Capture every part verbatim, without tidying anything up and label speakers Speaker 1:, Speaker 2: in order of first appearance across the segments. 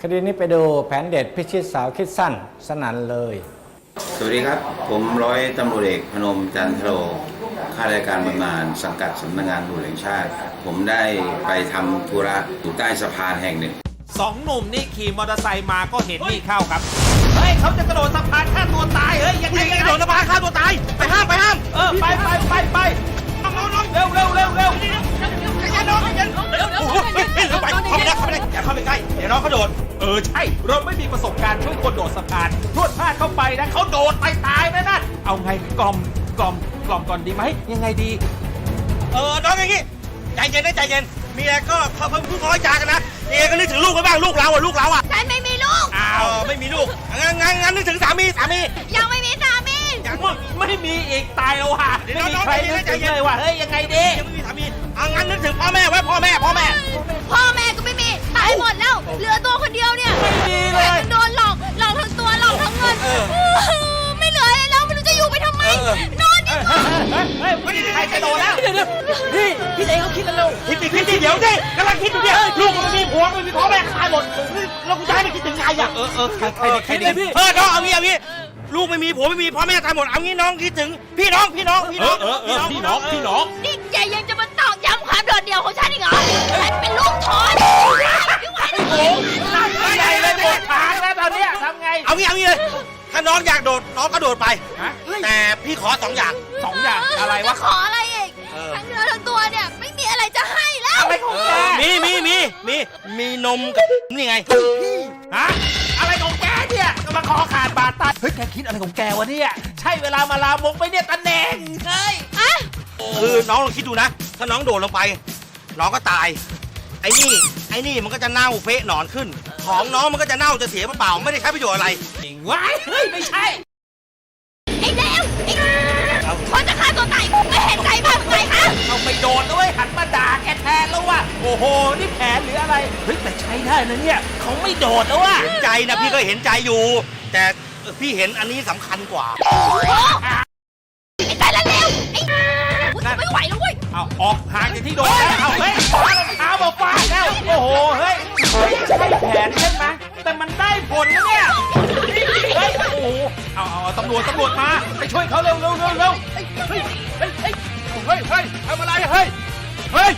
Speaker 1: ดีนี้ไปดูแผนเด็ดพิชิตสาวคิดสั้นสนั่นเลย
Speaker 2: สวัสดีครับผมร้อยตำรวจเอกพนมจันทโรข้าราชการบำนาญสังกัดสำนักงานตำรวจแห่งชาติผมได้ไปทำธุระอยู่ใต้สะพานแห่งหนึ่ง
Speaker 3: สองหนุ่มนี่ขี่มอเตอร์ไซค์มาก็เห็นนี่เข้าครับเฮ้ยเขาจะกระโดดสะพานฆ่าตัวตายเฮ้ยยังไงกระโดดสะพานฆ่าตัวตายไปห้ามไปห้ามเออไปไปไปไปเร็วเร็วเร็วเร็วอย่าน้องอย่าเร็วเร็วเข้าไปเข้าไปได้เข้าไปได้อย่าเข้าไปใกล้เดี๋ยวน้องเขาโดดเออใช่เราไม่มีประสบการณ์ช่วยคนโดดสะพานพรวดพลาดเข้าไปนะเขาโดดไปตายนะนั่นเอาไงกล่อมกล่อมกล่อมก่อนดีไหมยังไงดี
Speaker 4: เออน้องอย่างงี้ใจเย็นนะใจเย็นเมียก็เขาเพิ่งพูดน้อยจากันนะเมียก็นึกถึงลูกกันบ้างลูกเราอ่ะลูกเราอ่ะ
Speaker 5: ฉันไม่มีลูก
Speaker 4: อ้าวไม่มีลูกงั้นงั้นงั้นนึกถึงสามีสามี
Speaker 5: ยังไม่มีสามี
Speaker 4: ยัง
Speaker 3: ไม่มีอีกตายแล้วว่ะไม่มีใครนึกถึงเลยว่ะเฮ้ยยังไงดี
Speaker 4: ยังไม่มีสามีเอางั้นนึกถึงพ่อแม่ไว้พ่อแม่พ่อแม่
Speaker 5: พ่อแม่ก็ไม่มีตายหมดแล้วเหลือตัวคนเดียวเนี่ย
Speaker 3: ไม่มีเลย
Speaker 5: โดนหลอกหลอกทั้งตัวหลอกทั้งเงินไม่เหลืออะไรแล้วไม่รู้จะอยู่ไปทำไมนอนดีกว่า
Speaker 3: เฮ้ยไม่มีใครจะโดนแล้วเดี๋ยวเดี๋ยวพี่พี่เองเขาคิดกันเร็ว
Speaker 4: คิดดิคิดดิเดี๋ยวดิกำลังคิดอยู่เนี่ยลูกมันมีผัวมันมีพ่อแม่ตายหมดเราจะให้มันคิดถึงใครอ่ะ
Speaker 3: เออเออใครใครใครดีพี่
Speaker 4: เออน้องเอางี้เอางี้ลูกไม่มีผัวไม่มีพ่อแม่ตายหมดเอางี้น้องคิดถึงพี่น้องพี่น้องพี่น้อง
Speaker 3: เออเออพี่น้องพี่น้อง
Speaker 5: นี่แกยังจะมาตอกย้ำความโดดเดี่ยวของฉันอีกเหรอฉันเป็นลูกทอนไม่ไหวแล้วโอ้
Speaker 3: ไม่ไหวเลยหมดทางแล้วตอนนี้ทำไง
Speaker 4: เอางี้เอางี้เลยถ้าน้องอยากโดดน้องก็โดดไปแต่พี่ขอสองอย่าง
Speaker 3: สองอย่างอะไรวะ
Speaker 5: ขออะไรอีกทั้งเนื้อทั้งตัวเนี่ยไม่มีอะไรจะให้แล้ว
Speaker 3: อะไรของแก
Speaker 4: มีมีมีมีมีนมกับนี่ไง
Speaker 3: ฮะอะไรของแกเนี่ยมาคอขาดบาดตายเฮ้ยแกคิดอะไรของแกวะเนี่ยใช่เวลามาลามกไปเนี่ยตะแหน่งเฮ้ย
Speaker 5: อะ
Speaker 4: คือน้องลองคิดดูนะถ้าน้องโดดลงไปน้องก็ตายไอ้นี่ไอ้นี่มันก็จะเน่าเฟะหนอนขึ้นของน้องมันก็จะเน่าจะเสียเปล่าไม่ได้ใช้ประโยชน์อะไร
Speaker 3: จริงวะเฮ้ยไม่ใช่
Speaker 5: ไอ้เลวไอ้คนจะฆ่าตัวตายไม่เห็นใจบ้างไงคะ
Speaker 3: เอาไปโดนด้วยหันมาด่าแกแทนแล้วว่ะโอ้โหนี่แผนหรืออะไรเฮ้ยแต่ใช้ได้นะเนี่ยเขาไม่โดดแล้วว่ะ
Speaker 4: เห็นใจนะพี่ก็เห็นใจอยู่แต่พี่เห็นอันนี้สำคัญกว่า
Speaker 5: ไอ้ตายแล้วเลวไอ้ไม่ไหวแล้วเว้ย
Speaker 3: เอาออกห่างจากที่โดนแล้วเอาเฮ้ยฟ้ารองเท้ามาฟาดแล้วโอ้โหเฮ้ยไม่ใช่แผนใช่ไหมแต่มันได้ผลนะเนี่ยเฮ้ยโอ้โหเอาเอาตำรวจตำรวจมาไปช่วยเขาเร็วเร็วเร็วเร็วเฮ้ยเฮ้ยเฮ้ยเฮ้ยเฮ้ยทำอะไรเฮ้ยเฮ้ย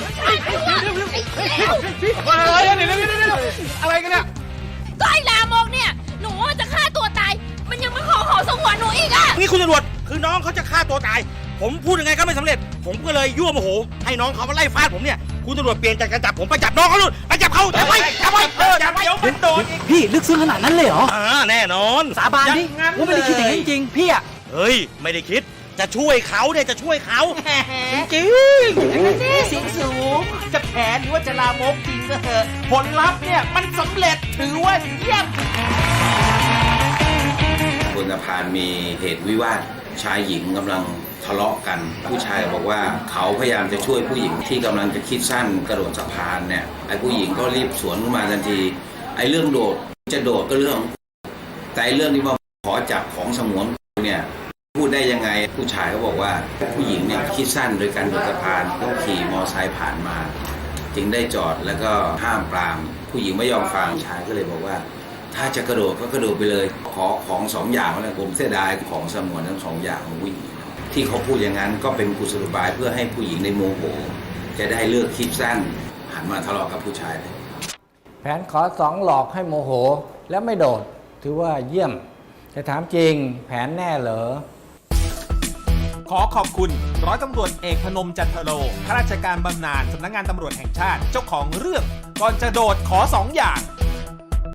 Speaker 3: อะไรเนี่ยอะไรกันเนี่ย
Speaker 5: ก็ไอ้ลามกเนี่ยหนูจะฆ่าตัวตายมันยังมาขอขอสงวนหนูอีกอ่ะ
Speaker 4: นี่คุณตำรวจคือน้องเขาจะฆ่าตัวตายผมพูดยังไงก็ไม่สำเร็จผมก็เลยยั่วโมโหให้น้องเขามาไล่ฟาดผมเนี่ยคุณตำรวจเปลี่ยนจากการจับผมไปจับน้องเขาลูกไปจับเขาจับไปจับไป
Speaker 3: เออจับไปเดี๋ยวมันโดนอีก
Speaker 6: พี่ลึกซึ้งขนาดนั้นเลยเหรอ
Speaker 4: อ่าแน่นอน
Speaker 6: สาบานดิว่าไม่ได้คิดอย่างนี้จริงๆพี่อะ
Speaker 4: เฮ้ยไม่ได้คิดจะช่วยเขาเนี่ยจะช่วยเขาจริง
Speaker 3: เสียงสูงจะแผนหรือว่าจะลามกจริงก็เถอะผลลัพธ์เนี่ยมันสำเร็จถือว่าเยี่ยม
Speaker 2: บนสะพานมีเหตุวิวาทชายหญิงกำลังทะเลาะกันผู้ชายบอกว่าเขาพยายามจะช่วยผู้หญิงที่กำลังจะคิดสั้นกระโดดสะพานเนี่ยไอ้ผู้หญิงก็รีบสวนขึ้นมาทันทีไอ้เรื่องโดดจะโดดก็เรื่องแต่เรื่องที่ว่าขอจับของสงวนเนี่ยพูดได้ยังไงผู้ชายเขาบอกว่าผู้หญิงเนี่ยคิดสั้นโดยการโดดสะพานก็ขี่มอไซค์ผ่านมาจึงได้จอดแล้วก็ห้ามปรามผู้หญิงไม่ยอมฟังชายก็เลยบอกว่าถ้าจะกระโดดก็กระโดดไปเลยขอของสองอย่างนะผมเสียดายของสงวนทั้งสองอย่างของผู้หญิงที่เขาพูดอย่างนั้นก็เป็นกุศโลบายเพื่อให้ผู้หญิงในโมโหจะได้เลิกคิดสั้นหันมาทะเลาะกับผู้ชายเลย
Speaker 1: แผนขอสองหลอกให้โมโหแล้วไม่โดดถือว่าเยี่ยมแต่ถามจริงแผนแน่เหรอ
Speaker 3: ขอขอบคุณร้อยตำรวจเอกพนมจันทโรข้าราชการบำนาญสำนักงานตำรวจแห่งชาติเจ้าของเรื่องก่อนจะโดดขอสองอย่าง